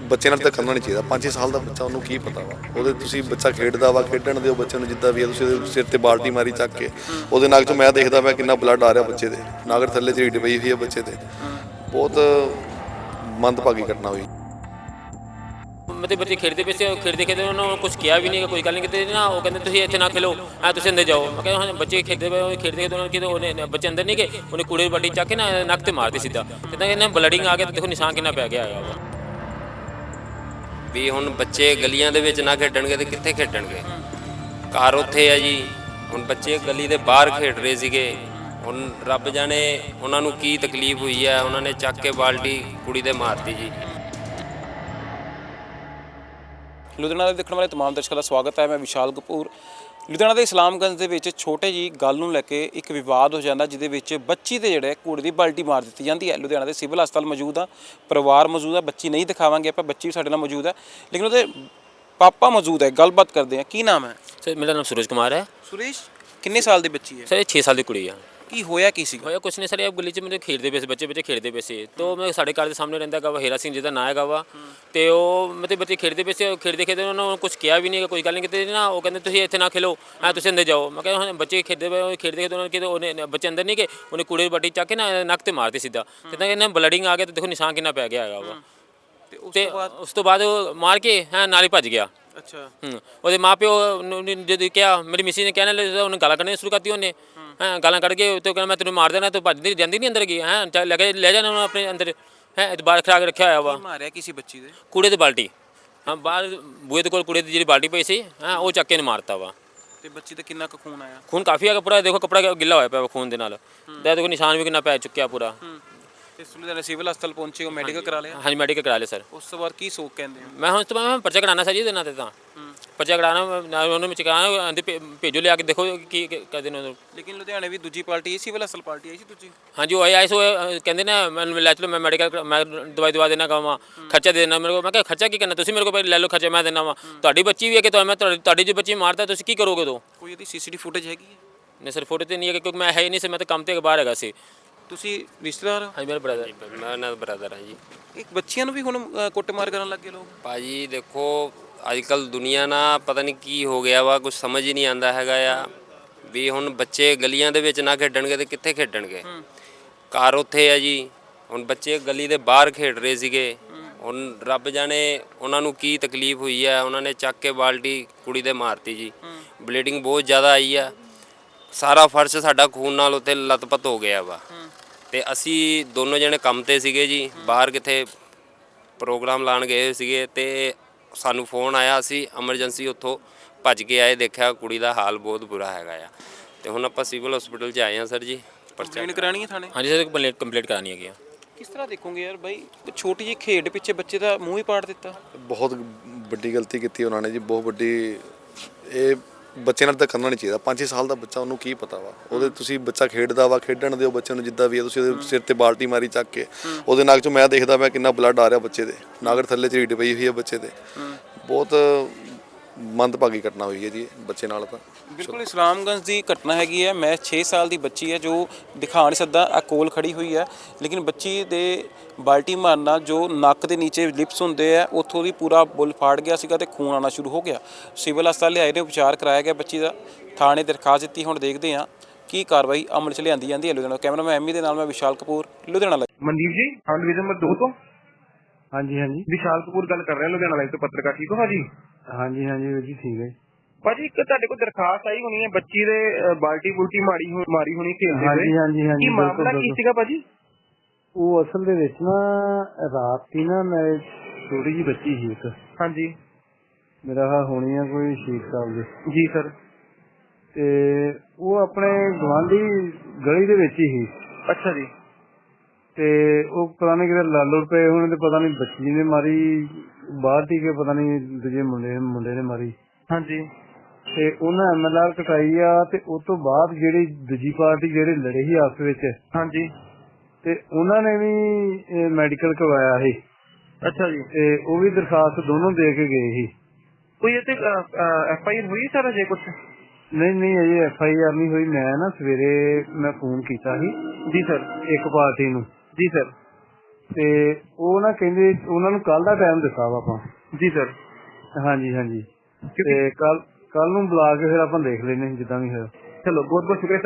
ਬੱਚੇ ਨਾਲ ਧੱਕਾ ਨਹੀਂ ਚਾਹੀਦਾ। 5-6 ਸਾਲ ਦਾ ਬੱਚਾ, ਉਹਨੂੰ ਕੀ ਪਤਾ ਵਾ, ਉਹਦੇ ਤੁਸੀਂ ਬੱਚਾ ਖੇਡਦਾ ਵਾ, ਖੇਡਣ ਦਿਓ ਬੱਚੇ ਨੂੰ ਜਿੱਦਾਂ ਵੀ ਹੈ। ਤੁਸੀਂ ਉਹਦੇ ਸਿਰ ਤੇ ਬਾਲਟੀ ਮਾਰੀ ਚੱਕ ਕੇ, ਉਹਦੇ ਨੱਕ 'ਚੋਂ ਮੈਂ ਦੇਖਦਾ ਪਿਆ ਕਿੰਨਾ ਬਲੱਡ ਆ ਰਿਹਾ ਬੱਚੇ ਦੇ, ਨਾਗਰ ਥੱਲੇ ਝਰੀਟ ਪਈ ਹੋਈ ਹੈ ਬੱਚੇ ਤੇ। ਬਹੁਤ ਮੰਦਭਾਗੀ ਘਟਨਾ ਹੋਈ। मतलब बच्चे खेलते पे खेलते खेलते उन्होंने कुछ किया भी नहीं, कोई गल नहीं की ना। वो कहते तुम इतने ना खेलो, तुम अंदर जाओ। मैं कहता बच्चे खेलते पे खेलते खेलते उन्होंने बच्चे अंदर नहीं गए, उन्हें कूड़े बाटी चक के ना नक ते मारते सीधा। कहते इन्हें ब्लडिंग आ गया, देखो निशान कितना पै गया है। ਵੀ ਹੁਣ ਬੱਚੇ ਗਲੀਆਂ ਦੇ ਵਿੱਚ ਨਾ ਖੇਡਣਗੇ ਤੇ ਕਿੱਥੇ ਖੇਡਣਗੇ? ਘਰ ਉੱਥੇ ਹੈ ਜੀ। ਹੁਣ ਬੱਚੇ ਗਲੀ ਦੇ ਬਾਹਰ ਖੇਡ ਰਹੇ ਸੀਗੇ। ਹੁਣ ਰੱਬ ਜਾਣੇ ਉਹਨਾਂ ਨੂੰ ਕੀ ਤਕਲੀਫ ਹੋਈ ਹੈ, ਉਹਨਾਂ ਨੇ ਚੱਕ ਕੇ ਬਾਲਟੀ ਕੁੜੀ ਦੇ ਮਾਰਤੀ ਜੀ। ਲੁਧਿਆਣਾ ਦੇ ਦੇਖਣ ਵਾਲੇ ਤਮਾਮ ਦਰਸ਼ਕਾਂ ਦਾ ਸਵਾਗਤ ਹੈ। ਮੈਂ ਵਿਸ਼ਾਲ ਕਪੂਰ। ਲੁਧਿਆਣਾ ਦੇ ਇਸਲਾਮਗੰਜ ਦੇ ਵਿੱਚ ਛੋਟੇ ਜੀ ਗੱਲ ਨੂੰ ਲੈ ਕੇ ਇੱਕ ਵਿਵਾਦ ਹੋ ਜਾਂਦਾ, ਜਿਹਦੇ ਵਿੱਚ ਬੱਚੀ ਦੇ ਜਿਹੜੇ ਕੂੜੇ ਦੀ ਬਾਲਟੀ ਮਾਰ ਦਿੱਤੀ ਜਾਂਦੀ ਹੈ। ਲੁਧਿਆਣਾ ਦੇ ਸਿਵਲ ਹਸਪਤਾਲ ਮੌਜੂਦ ਆ, ਪਰਿਵਾਰ ਮੌਜੂਦ ਆ, ਬੱਚੀ ਨਹੀਂ ਦਿਖਾਵਾਂਗੇ ਆਪਾਂ, ਬੱਚੀ ਵੀ ਸਾਡੇ ਨਾਲ ਮੌਜੂਦ ਹੈ, ਲੇਕਿਨ ਉਹਦੇ ਪਾਪਾ ਮੌਜੂਦ ਹੈ। ਗੱਲਬਾਤ ਕਰਦੇ ਹਾਂ। ਕੀ ਨਾਮ ਹੈ? सर मेरा नाम सूरज कुमार है। ਸੁਰੇਸ਼, ਕਿੰਨੇ ਸਾਲ ਦੀ ਬੱਚੀ ਹੈ? सर ये 6 साल की कुड़ी है। ਕੀ ਹੋਇਆ ਕੀ ਸੀ? ਹੋਇਆ ਕੁਛ ਨਹੀਂ ਸਰ, ਇਹ ਗਲੀ 'ਚ ਮੇਰੇ ਖੇਡਦੇ ਪਏ ਸੀ ਬੱਚੇ ਖੇਡਦੇ ਪਏ ਸੀ। ਤੋ ਮੈਂ ਸਾਡੇ ਘਰ ਦੇ ਸਾਹਮਣੇ ਰਹਿੰਦਾ ਗਾ ਵਾ ਹੀਰਾ ਸਿੰਘ, ਜਿਹਦਾ ਨਾਂ ਹੈਗਾ ਵਾ। ਤੇ ਉਹ ਮਤਲਬ ਬੱਚੇ ਖੇਡਦੇ ਪਏ ਸੀ, ਖੇਡਦੇ ਖੇਡਦੇ ਉਹਨਾਂ ਨੂੰ ਕੁਛ ਕਿਹਾ ਵੀ ਨਹੀਂ, ਕੋਈ ਗੱਲ ਨਹੀਂ ਕੀਤੀ ਨਾ। ਉਹ ਕਹਿੰਦੇ ਤੁਸੀਂ ਇੱਥੇ ਨਾ ਖੇਲੋ, ਤੁਸੀਂ ਅੰਦਰ ਜਾਓ। ਮੈਂ ਕਹਿੰਦਾ ਬੱਚੇ ਖੇਡਦੇ ਪਏ ਖੇਡਦੇ ਖੇਡਦੇ ਉਹਨਾਂ ਉਹਨੇ ਬੱਚੇ ਅੰਦਰ ਨਹੀਂ ਗਏ, ਉਹਨੇ ਕੂੜੇ ਦੀ ਬਾਟੀ ਚੱਕ ਕੇ ਨਾ ਨੱਕ ਤੇ ਮਾਰਤੀ ਸਿੱਧਾ। ਕਹਿੰਦਾ ਇਹਨਾਂ ਬਲਡਿੰਗ ਆ ਗਿਆ, ਤੇ ਦੇਖੋ ਨਿਸ਼ਾਨ ਕਿੰਨਾ ਪੈ ਗਿਆ ਹੈਗਾ ਵਾ। ਤੇ ਉਸ ਤੋਂ ਬਾਅਦ ਮਾਰ ਕੇ ਨਾਲ ਹੀ ਭੱਜ ਗਿਆ। ਅੱਛਾ। ਉਹਦੇ ਮਾਂ ਪਿਓ ਜਦੋਂ ਕਿਹਾ, ਮੇਰੀ ਮਿਸੀ ਨੇ ਕਹਿਣ ਲੱਗੇ, ਉਹਨੇ ਗਾਲਾਂ ਕੱਢਣੀਆਂ ਸ਼ੁਰੂ ਕਰਤੀ। ਉਹਨੇ ਗਾਲਾਂ ਕੱਢ ਕੇ ਤੇ ਕਹਿੰਦਾ ਮੈਂ ਤੈਨੂੰ ਮਾਰ ਦੇਣਾ, ਤੂੰ ਭੱਜਦੀ ਜਾਂਦੀ ਨਹੀਂ ਅੰਦਰ ਗਈ ਲੈ ਕੇ ਲੈ ਜਾਣਾ ਉਹਨੂੰ ਆਪਣੇ ਅੰਦਰ ਬਾਹਰ ਖੜਾ ਕੇ ਰੱਖਿਆ ਹੋਇਆ ਵਾ। ਮਾਰਿਆ ਕਿਸੇ ਬੱਚੀ ਦੇ? ਕੂੜੇ ਦੀ ਬਾਲਟੀ, ਬਾਹਰ ਬੂਹੇ ਦੇ ਕੋਲ ਕੂੜੇ ਦੀ ਜਿਹੜੀ ਬਾਲਟੀ ਪਈ ਸੀ ਉਹ ਚੱਕ ਕੇ ਨੇ ਮਾਰਤਾ ਵਾ। ਤੇ ਬੱਚੀ ਤੇ ਕਿੰਨਾ ਕੁ ਖੂਨ ਆਇਆ? ਖੂਨ ਕਾਫੀ ਆ ਪੂਰਾ, ਦੇਖੋ ਕੱਪੜਾ ਗਿੱਲਾ ਹੋਇਆ ਪਿਆ ਖੂਨ ਦੇ ਨਾਲ। ਦੇਖੋ ਨਿਸ਼ਾਨ ਵੀ ਕਿੰਨਾ ਪੈ ਚੁੱਕਿਆ ਪੂਰਾ। ਤੇ ਲੁਧਿਆਣਾ ਸਿਵਲ ਹਸਪਤਾਲ ਪਹੁੰਚੇ ਹੋ, ਮੈਡੀਕਲ ਕਰਾ ਲਿਆ? ਹਾਂਜੀ ਮੈਡੀਕਲ ਕਰਾ ਲਿਆ ਸਰ। ਉਸ ਤੋਂ ਬਾਅਦ ਕੀ ਸੋਚ ਕਹਿੰਦੇ ਹੋ? ਮੈਂ ਹੁਣ ਤੋਂ ਮੈਂ ਪਰਚਾ ਕਰਾਉਣਾ ਸਰ ਜੀ ਇਹਦੇ ਨਾਂ ਤੇ। ਤਾਂ ਪਰਚਾ ਕਰਾਉਣਾ ਉਹਨੂੰ ਵਿੱਚ ਕਰਾਉਣਾ, ਭੇਜੋ ਲਿਆ ਕੇ ਦੇਖੋ ਕੀ ਕਰਦੇ ਨੇ। ਲੇਕਿਨ ਲੁਧਿਆਣੇ ਵੀ ਦੂਜੀ ਪਾਰਟੀ ਆਈ, ਸਿਵਲ ਹਸਪਤਾਲ ਪਾਰਟੀ ਆਈ ਸੀ ਦੂਜੀ। ਹਾਂਜੀ ਉਹ ਆਏ ਸੋ ਕਹਿੰਦੇ ਨਾ ਮੈਨੂੰ ਲੈ ਚਲੋ, ਮੈਂ ਮੈਡੀਕਲ ਮੈਂ ਦਵਾਈ ਦਵਾ ਦੇਣਾ ਕਹਾਂ, ਖਰਚਾ ਦੇ ਦੇਣਾ ਮੇਰੇ ਕੋਲ। ਮੈਂ ਕਿਹਾ ਖਰਚਾ ਕੀ ਕਰਨਾ, ਤੁਸੀਂ ਮੇਰੇ ਕੋਲ ਲੈ ਲਓ, ਖਰਚਾ ਮੈਂ ਦੇਣਾ ਵਾ। ਤੁਹਾਡੀ ਬੱਚੀ ਵੀ ਹੈ ਕਿ ਮੈਂ ਤੁਹਾਡੀ ਜੋ ਬੱਚੀ ਮਾਰਦਾ ਤੁਸੀਂ ਕੀ ਕਰੋਗੇ? ਉਦੋਂ ਕੋਈ ਇਹਦੀ ਸੀਸੀਟੀਵੀ ਫੁਟੇਜ ਹੈਗੀ ਹੈ? ਨਹੀਂ ਸਰ ਫੋਟੋ ਤੇ ਨਹੀਂ ਹੈ, ਕਿਉਂਕਿ ਮੈਂ ਹੈ ਹੀ ਨਹੀਂ ਸੀ, ਮੈਂ ਤਾਂ ਕੰਮ ਤੇ ਬਾਹਰ ਹੈਗਾ ਸੀ। ਤੁਸੀਂ ਰਿਸ਼ਤੇਦਾਰ ਹੋ? ਹਾਂਜੀ ਮੇਰਾ ਬ੍ਰਦਰ। ਮੈਂ ਉਹਨਾਂ ਦਾ ਬ੍ਰਦਰ ਹਾਂ ਜੀ। ਇੱਕ ਬੱਚਿਆਂ ਨੂੰ ਵੀ ਹੁਣ ਕੁੱਟਮਾਰ ਕਰਨ ਲੱਗੇ ਲੋਕ। ਭਾਜੀ ਦੇਖੋ ਅੱਜ ਕੱਲ੍ਹ ਦੁਨੀਆ ਨਾ ਪਤਾ ਨਹੀਂ ਕੀ ਹੋ ਗਿਆ ਵਾ, ਕੁਝ ਸਮਝ ਹੀ ਨਹੀਂ ਆਉਂਦਾ ਹੈਗਾ ਆ। ਵੀ ਹੁਣ ਬੱਚੇ ਗਲੀਆਂ ਦੇ ਵਿੱਚ ਨਾ ਖੇਡਣਗੇ ਤੇ ਕਿੱਥੇ ਖੇਡਣਗੇ? ਘਰ ਉੱਥੇ ਹੈ ਜੀ। ਹੁਣ ਬੱਚੇ ਗਲੀ ਦੇ ਬਾਹਰ ਖੇਡ ਰਹੇ ਸੀਗੇ। ਹੁਣ ਰੱਬ ਜਾਣੇ ਉਹਨਾਂ ਨੂੰ ਕੀ ਤਕਲੀਫ ਹੋਈ ਹੈ, ਉਹਨਾਂ ਨੇ ਚੱਕ ਕੇ ਬਾਲਟੀ ਕੁੜੀ ਦੇ ਮਾਰਤੀ ਜੀ। ਬਲੀਡਿੰਗ ਬਹੁਤ ਜ਼ਿਆਦਾ ਆਈ ਆ, ਸਾਰਾ ਫਰਸ਼ ਸਾਡਾ ਖੂਨ ਨਾਲ ਉੱਥੇ ਲੱਤਪੱਤ ਹੋ ਗਿਆ ਵਾ। ਤੇ ਅਸੀਂ ਦੋਨੋਂ ਜਣੇ ਕੰਮ ਤੇ ਸੀਗੇ ਜੀ, ਬਾਹਰ ਕਿਤੇ ਪ੍ਰੋਗਰਾਮ ਲਾਉਣ ਗਏ ਹੋਏ ਸੀਗੇ। ਤੇ ਸਾਨੂੰ ਫੋਨ ਆਇਆ, ਅਸੀਂ ਐਮਰਜੈਂਸੀ ਉੱਥੋਂ ਭੱਜ ਕੇ ਆਏ, ਦੇਖਿਆ ਕੁੜੀ ਦਾ ਹਾਲ ਬਹੁਤ ਬੁਰਾ ਹੈਗਾ ਆ। ਤੇ ਹੁਣ ਆਪਾਂ ਸਿਵਲ ਹਸਪੀਟਲ 'ਚ ਆਏ ਹਾਂ ਸਰ ਜੀ। ਪਰਚਾ ਕਰਾਣੀ ਹੈ ਥਾਣੇ? ਹਾਂਜੀ ਸਰ ਕੰਪਲੀਟ ਕਰਾਉਣੀ ਹੈਗੀ ਆ। ਕਿਸ ਤਰ੍ਹਾਂ ਦੇਖੋਗੇ ਯਾਰ ਬਾਈ, ਛੋਟੀ ਜਿਹੀ ਖੇਡ ਪਿੱਛੇ ਬੱਚੇ ਦਾ ਮੂੰਹ ਹੀ ਪਾੜ ਦਿੱਤਾ। ਬਹੁਤ ਵੱਡੀ ਗਲਤੀ ਕੀਤੀ ਉਹਨਾਂ ਨੇ ਜੀ, ਬਹੁਤ ਵੱਡੀ। ਇਹ ਬੱਚੇ ਨਾਲ ਧੱਕਾ ਨਹੀਂ ਚਾਹੀਦਾ। 5-6 ਸਾਲ ਦਾ ਬੱਚਾ, ਉਹਨੂੰ ਕੀ ਪਤਾ ਵਾ, ਉਹਦੇ ਤੁਸੀਂ ਬੱਚਾ ਖੇਡਦਾ ਵਾ, ਖੇਡਣ ਦਿਓ ਬੱਚੇ ਨੂੰ ਜਿੱਦਾਂ ਵੀ ਹੈ। ਤੁਸੀਂ ਉਹਦੇ ਸਿਰ ਤੇ ਬਾਲਟੀ ਮਾਰੀ ਚੱਕ ਕੇ, ਉਹਦੇ ਨੱਕ 'ਚੋਂ ਮੈਂ ਦੇਖਦਾ ਪਿਆ ਕਿੰਨਾ ਬਲੱਡ ਆ ਰਿਹਾ ਬੱਚੇ ਦੇ, ਨਾਗਰ ਥੱਲੇ ਝਰੀਟ ਪਈ ਹੋਈ ਹੈ ਬੱਚੇ ਤੇ। ਬਹੁਤ ਮੰਦਭਾਗੀ ਘਟਨਾ ਹੋਈ ਹੈ ਜੀ ਬੱਚੇ ਨਾਲ। ਤਾਂ ਬਿਲਕੁਲ ਇਸਲਾਮਗੰਜ ਦੀ ਘਟਨਾ ਹੈਗੀ ਹੈ। ਮੈਂ 6 ਸਾਲ ਦੀ ਬੱਚੀ ਹੈ ਜੋ ਦਿਖਾ ਨਹੀਂ ਸਕਦਾ, ਆ ਕੋਲ ਖੜੀ ਹੋਈ ਹੈ, ਲੇਕਿਨ ਬੱਚੀ ਦੇ ਬਾਲਟੀ ਮਾਰਨਾ ਜੋ ਨੱਕ ਦੇ ਨੀਚੇ ਲਿਪਸ ਹੁੰਦੇ ਆ ਉੱਥੋਂ ਦੀ ਪੂਰਾ ਬੁੱਲ ਫਾੜ ਗਿਆ ਸੀਗਾ ਤੇ ਖੂਨ ਆਉਣਾ ਸ਼ੁਰੂ ਹੋ ਗਿਆ। ਸਿਵਲ ਹਸਪਤਾਲ ਲਿਆਏ ਨੇ, ਉਪਚਾਰ ਕਰਾਇਆ ਗਿਆ ਬੱਚੀ ਦਾ, ਥਾਣੇ ਦਰਖਾਸਤ ਦਿੱਤੀ। ਹੁਣ ਦੇਖਦੇ ਹਾਂ ਕੀ ਕਾਰਵਾਈ ਅਮਲ 'ਚ ਲਿਆਂਦੀ ਜਾਂਦੀ ਹੈ। ਲੁਧਿਆਣਾ ਕੈਮਰਾਮੈਨ ਐਮੀ ਦੇ ਨਾਲ ਮੈਂ ਵਿਸ਼ਾਲ ਕਪੂਰ, ਲੁਧਿਆਣਾ ਲਾਈਵ। ਮਨਦੀਪ ਜੀ, ਹਾਂ ਡਿਵੀਜ਼ਨ ਨੰਬਰ 2 ਤੋਂ। ਹਾਂਜੀ ਹਾਂਜੀ ਵਿਸ਼ਾਲ ਕਪੂਰ ਗੱਲ ਕਰ ਰਿਹਾ, ਲੁਧਿਆਣਾ ਲਾਈਵ ਤੋਂ ਪੱਤਰਕਾਰ। ਠੀਕ ਹੋ ਭਾਜੀ? ਹਾਂਜੀ ਹਾਂਜੀ ਵੀਰ ਜੀ ਠੀਕ ਹੈ ਭਾਜੀ ਇੱਕ ਤੁਹਾਡੇ ਕੋਲ ਦਰਖਾਸਤ ਆਈ ਹੋਣੀ ਹੈ, ਬੱਚੀ ਦੇ ਬਾਲਟੀ ਬੁਲਟੀ ਮਾਰੀ ਹੋਣੀ ਖੇਡਦੇ ਹੋਏ। ਹਾਂਜੀ ਹਾਂਜੀ ਹਾਂਜੀ ਕੀ ਮਾਮਲਾ ਕੀ ਸੀਗਾ ਭਾਜੀ? ਉਹ ਅਸਲ ਦੇ ਵਿੱਚ ਨਾ ਰਾਤ ਦੀ ਨਾ ਮੇਰੇ ਛੋਟੀ ਜੀ ਬੱਚੀ ਸੀ ਇੱਕ। ਹਾਂਜੀ। ਮੇਰਾ ਹੋਣੀ ਆ ਕੋਈ 6 ਸਾਲ ਦੀ ਜੀ ਸਰ। ਤੇ ਉਹ ਆਪਣੇ ਗੁਆਂਢੀ ਗਲੀ ਦੇ ਵਿੱਚ ਹੀ ਸੀ। ਅੱਛਾ ਜੀ। ਤੇ ਉਹ ਪਤਾ ਨਹੀਂ ਕਿਤੇ ਲਾਲੂ ਰੁਪਏ ਹੁਣ, ਤੇ ਪਤਾ ਨਹੀਂ ਬੱਚੀ ਨੇ ਮਾਰੀ ਬਾਹਰ ਦੀ ਕੇ ਪਤਾ ਨਹੀਂ ਦੂਜੇ ਮੁੰਡੇ ਨੇ ਮਾਰੀ। ਹਾਂਜੀ। ਤੇ ਉਹਨਾਂ MLR ਕਟਾਈ ਆ। ਤੇ ਉਸ ਤੋਂ ਬਾਅਦ ਜਿਹੜੀ ਦੂਜੀ ਪਾਰਟੀ ਜਿਹੜੇ ਲੜੇ ਸੀ ਆਪਸ ਵਿੱਚ, ਹਾਂਜੀ, ਤੇ ਉਹਨਾਂ ਨੇ ਵੀ ਮੈਡੀਕਲ ਕਰਵਾਇਆ ਸੀ। ਅੱਛਾ ਜੀ। ਤੇ ਉਹ ਵੀ ਦਰਖਾਸਤ ਦੋਨੋਂ ਦੇ ਕੇ ਗਏ ਸੀ। ਕੋਈ ਇਹ ਤੇ FIR ਹੋਈ ਸਰ ਅਜੇ ਕੁਛ? ਨਹੀਂ ਅਜੇ FIR ਨਹੀਂ ਹੋਈ। ਮੈਂ ਨਾ ਸਵੇਰੇ ਮੈਂ ਫੋਨ ਕੀਤਾ ਸੀ ਜੀ ਸਰ ਇੱਕ ਪਾਰਟੀ ਨੂੰ। ਜੀ ਸਰ। ਤੇ ਉਹ ਨਾ ਕਹਿੰਦੇ ਉਹਨਾਂ ਨੂੰ ਕੱਲ ਦਾ ਟਾਈਮ ਦਿੱਤਾ ਵਾ ਆਪਾਂ। ਜੀ ਸਰ। ਹਾਂਜੀ ਹਾਂਜੀ, ਤੇ ਕੱਲ ਨੂੰ ਬੁਲਾ ਕੇ ਫਿਰ ਆਪਾਂ ਦੇਖ ਲੈਨੇ ਜਿੱਦਾਂ ਵੀ ਹੋਇਆ। ਚਲੋ ਬਹੁਤ ਬਹੁਤ ਸ਼ੁਕਰੀਆ ਸਰ।